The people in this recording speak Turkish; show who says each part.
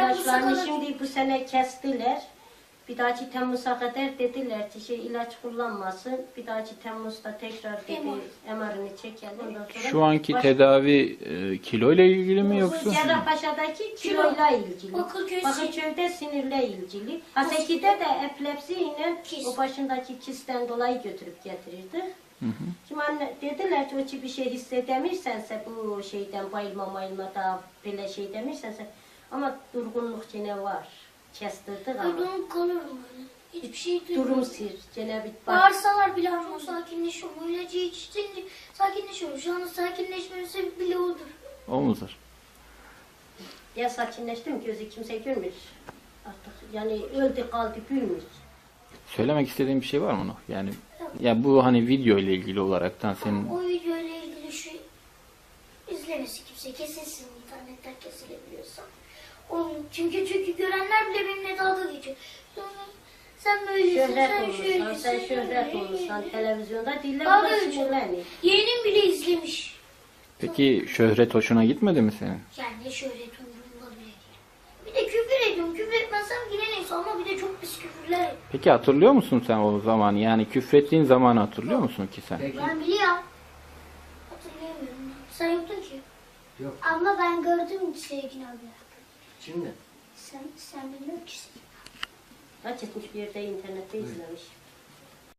Speaker 1: İlaçlarını şimdi bu sene kestiler. Bir dahaki Temmuz'a kadar dediler ki ilaç kullanmasın. Bir dahaki Temmuz'da tekrar dedi MR'ını çekelim. Ondan sonra
Speaker 2: Şu anki tedavi kiloyla ilgili mi yoksa?
Speaker 1: Cerrahpaşa'daki kiloyla ilgili. Bakırköy'de sinirle ilgili. Haseki'de de epilepsiyle o başındaki kisten dolayı götürüp getirirdi. Şimdi anne dediler ki o ki bir şey hissedemirsense bu şeyden bayılma da böyle şey demirsense ama durgunluk yine var. Kestirdik ama.
Speaker 3: Durgunluk kalıyorum öyle. Hiçbir şey duymuyorum.
Speaker 1: Durum sir. Gene bir
Speaker 3: Bağırsalar bile çok sakinleşiyorum. O ilacı içince sakinleşiyorum. Şu anda sakinleşmemin sebebi bile odur.
Speaker 2: O mudur?
Speaker 1: Ya sakinleştim gözü kimse görmüyor. Artık yani öldü kaldı gülmüyor.
Speaker 2: Söylemek istediğin bir şey var mı Nuh? Yani ya bu hani video ile ilgili olaraktan senin
Speaker 3: O video ile ilgili şu izlemesi kimse kesilsin internetten kesilebiliyorsa. Onu, çünkü görenler bile benimle dalga geçiyor. Sen böylesin,
Speaker 1: Sen şöhret olursan televizyonda dille
Speaker 3: Dalga
Speaker 1: buna
Speaker 3: geçiyor.
Speaker 1: sinirlenir.
Speaker 3: Yeğenim bile izlemiş.
Speaker 2: peki şöhret hoşuna gitmedi mi senin?
Speaker 3: Yani ne şöhret umurumda bile değil. Bir de küfür ediyorum. Küfür etmezsem yine neyse ama bir de çok pis küfürler ediyorum.
Speaker 2: Peki hatırlıyor musun sen o zaman? Yani küfrettiğin zamanı hatırlıyor musun ki sen?
Speaker 3: Ben biliyorum. Hatırlayamıyorum. Sen yoktun ki.
Speaker 4: Yok.
Speaker 3: Ama ben gördüm Sevgin abi.
Speaker 4: Şimdi
Speaker 3: Sen bilmiyorsun ki.
Speaker 1: Kaç etmiş bir yerde internette izlemiş.